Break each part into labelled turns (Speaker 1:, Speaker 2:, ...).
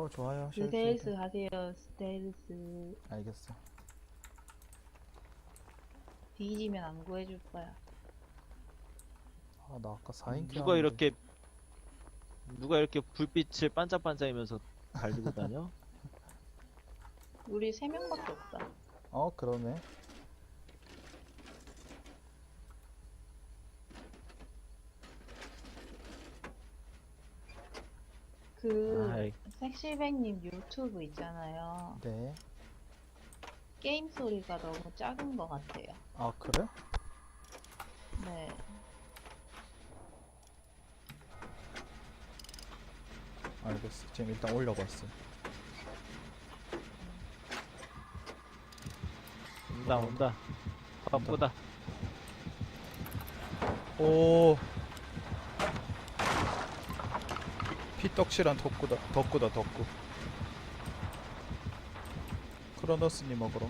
Speaker 1: 좋아요.
Speaker 2: 스테일스 하세요. 스테일스.
Speaker 1: 알겠어.
Speaker 2: 뒤지면 안 구해줄 거야.
Speaker 1: 아, 나 아까 4인
Speaker 3: 누가 이렇게 불빛을 반짝반짝이면서 달리고 다녀?
Speaker 2: 우리 3명밖에 없다.
Speaker 1: 그러네.
Speaker 3: 아이,
Speaker 2: 섹시백님 유튜브 있잖아요.
Speaker 1: 네.
Speaker 2: 게임 소리가 너무 작은 것 같아요.
Speaker 1: 아, 그래?
Speaker 2: 네.
Speaker 1: 알겠어. 지금 일단 올려봤어.
Speaker 3: 온다. 바쁘다.
Speaker 1: 오. 피떡실한 덕구다, 덕구. 크로노스님 먹으러.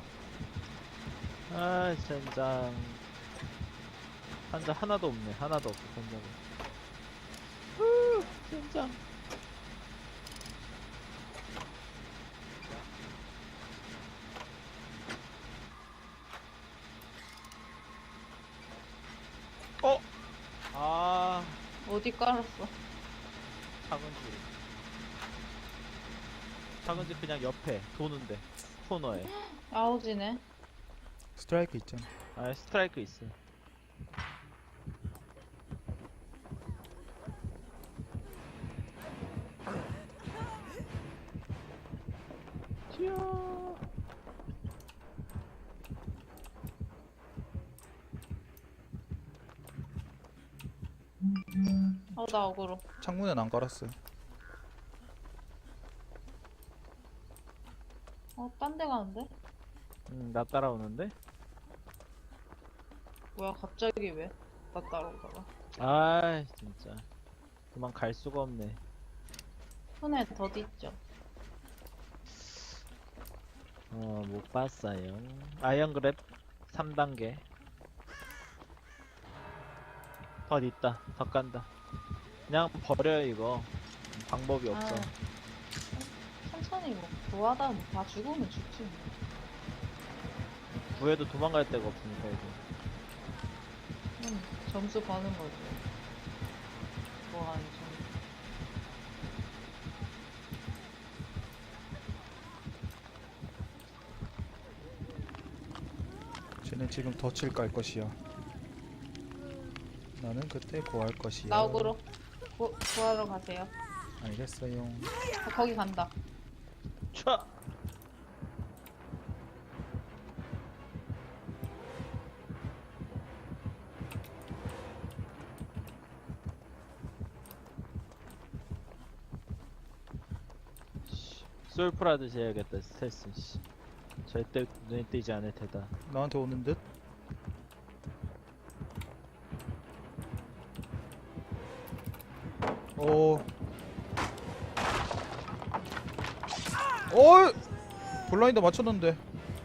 Speaker 3: 아, 젠장. 환자 하나도 없네. 하나도 없어, 환자가. 젠장. 아,
Speaker 2: 어디 깔았어?
Speaker 3: 작은 집 그냥 옆에 도는데 코너에.
Speaker 2: 아우지네.
Speaker 1: 스트라이크 있잖아.
Speaker 3: 아, 스트라이크 있어. 튀어.
Speaker 2: 나 억울해.
Speaker 1: 창문엔 안 깔았어요.
Speaker 2: 딴 데 가는데?
Speaker 3: 나 따라오는데?
Speaker 2: 뭐야, 갑자기 왜? 나 따라오다가.
Speaker 3: 아, 진짜. 그만 갈 수가 없네.
Speaker 2: 손에 더디 있죠?
Speaker 3: 못 봤어요. 아이언그랩 3단계. 덧 있다. 덧 간다. 그냥 버려요, 이거. 방법이 없어.
Speaker 2: 천천히 뭐 구하다 뭐 다 죽으면 죽지 뭐.
Speaker 3: 구해도 도망갈 데가 없으니까, 이거.
Speaker 2: 점수 버는 거지. 뭐 하는 점수.
Speaker 1: 쟤는 지금 덫을 깔 것이야. 나는 그때 구할 것이야.
Speaker 2: 나옥으로 구하러 가세요.
Speaker 1: 알겠어요.
Speaker 2: 거기 간다.
Speaker 3: 촤! 솔프라듯이 해야겠다, 스텔스. 씨. 절대 눈에 띄지 않을 테다.
Speaker 1: 나한테 오는 듯? 오. 오! 블라인드 맞췄는데.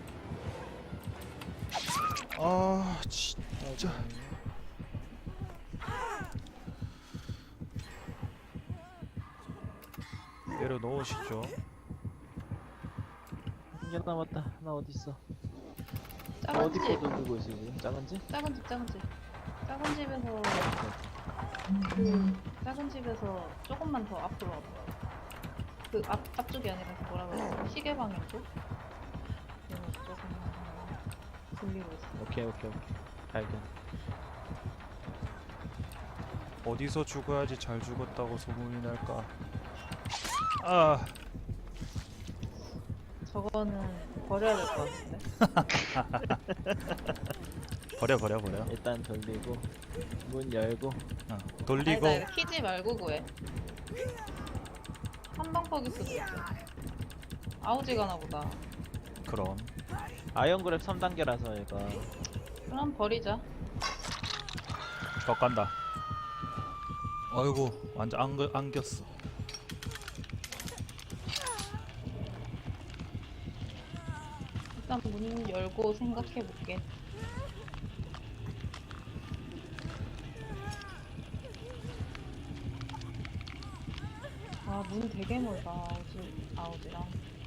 Speaker 1: 아, 진짜. 내려놓으시죠.
Speaker 3: 한 개 남았다. 나 어딨어?
Speaker 2: 작은
Speaker 3: 어디
Speaker 2: 집.
Speaker 3: 거 들고 있어, 지금? 작은 집?
Speaker 2: 작은 집. 작은 집에서 작은 집에서 조금만 더 앞으로 와봐. 그 앞쪽이 아니라 그 뭐라 그래? 시계 방향 쪽? 조금만 들리고 있어.
Speaker 3: 오케이. 발견.
Speaker 1: 어디서 죽어야지 잘 죽었다고 소문이 날까? 아,
Speaker 2: 저거는 버려야 될 것 같은데.
Speaker 1: 버려.
Speaker 3: 일단 돌리고 문 열고.
Speaker 1: 돌리고.
Speaker 2: 아니다, 이거 키지 말고 구해. 한방퍽일 수도 있어. 아우지가 나보다.
Speaker 1: 그럼.
Speaker 3: 아이언그랩 3단계라서 얘가.
Speaker 2: 그럼 버리자.
Speaker 1: 더 간다. 아이고, 완전 안겼어.
Speaker 2: 일단 문 열고 생각해볼게. 문 되게 멀다. 아우지랑.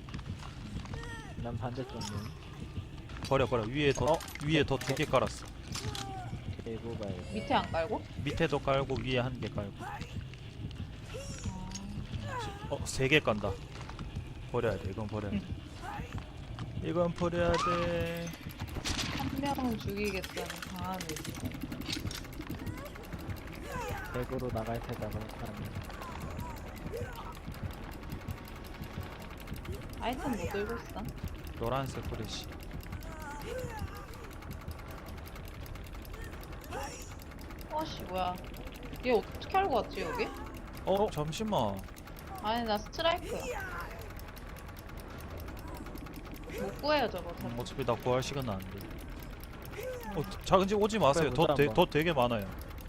Speaker 3: 난 반대쪽 문.
Speaker 1: 버려 위에 더 위에 더 두 개 깔았어.
Speaker 3: 개고 가야겠다.
Speaker 2: 밑에 안 깔고?
Speaker 1: 밑에도 깔고 위에 한 개 깔고. 세 개 깐다. 버려야 돼. 이건 버려야 돼. 이건 버려야 돼.
Speaker 2: 한 명은 죽이겠다는 강한 의지.
Speaker 3: 개고로 나갈 테다가 사람이.
Speaker 2: 아이템 못 들고 있어?
Speaker 1: 노란색 프레시.
Speaker 2: 어씨 뭐야? 얘 어떻게 알고 왔지 여기?
Speaker 1: 잠시만.
Speaker 2: 아니 나 스트라이크야. 못 구해요 저거.
Speaker 1: 어차피 나 구할 시간 안 돼. 작은 집 오지 마세요.
Speaker 3: 그래, 보자, 한번.
Speaker 1: 더 되게 많아요.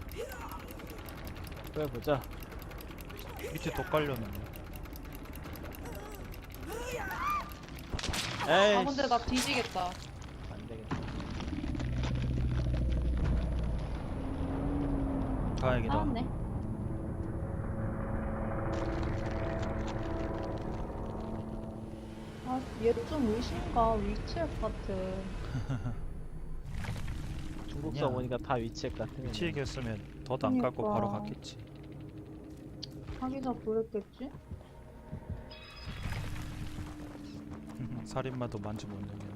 Speaker 3: 그래 보자.
Speaker 1: 밑에 더 깔려놨네.
Speaker 3: 에이.
Speaker 2: 아 근데 나 뒤지겠다.
Speaker 3: 안 되겠다.
Speaker 1: 다행이다.
Speaker 2: 나왔네. 아, 얘 좀 의심가 위치할 것 같아.
Speaker 3: 중국서
Speaker 1: 아니야.
Speaker 3: 오니까 다 위치액 같은.
Speaker 1: 미치겠으면 더도 안 깔고
Speaker 2: 그러니까.
Speaker 1: 바로 갔겠지.
Speaker 2: 자기가 그랬겠지?
Speaker 1: 살인마도 만지 못 넘겨.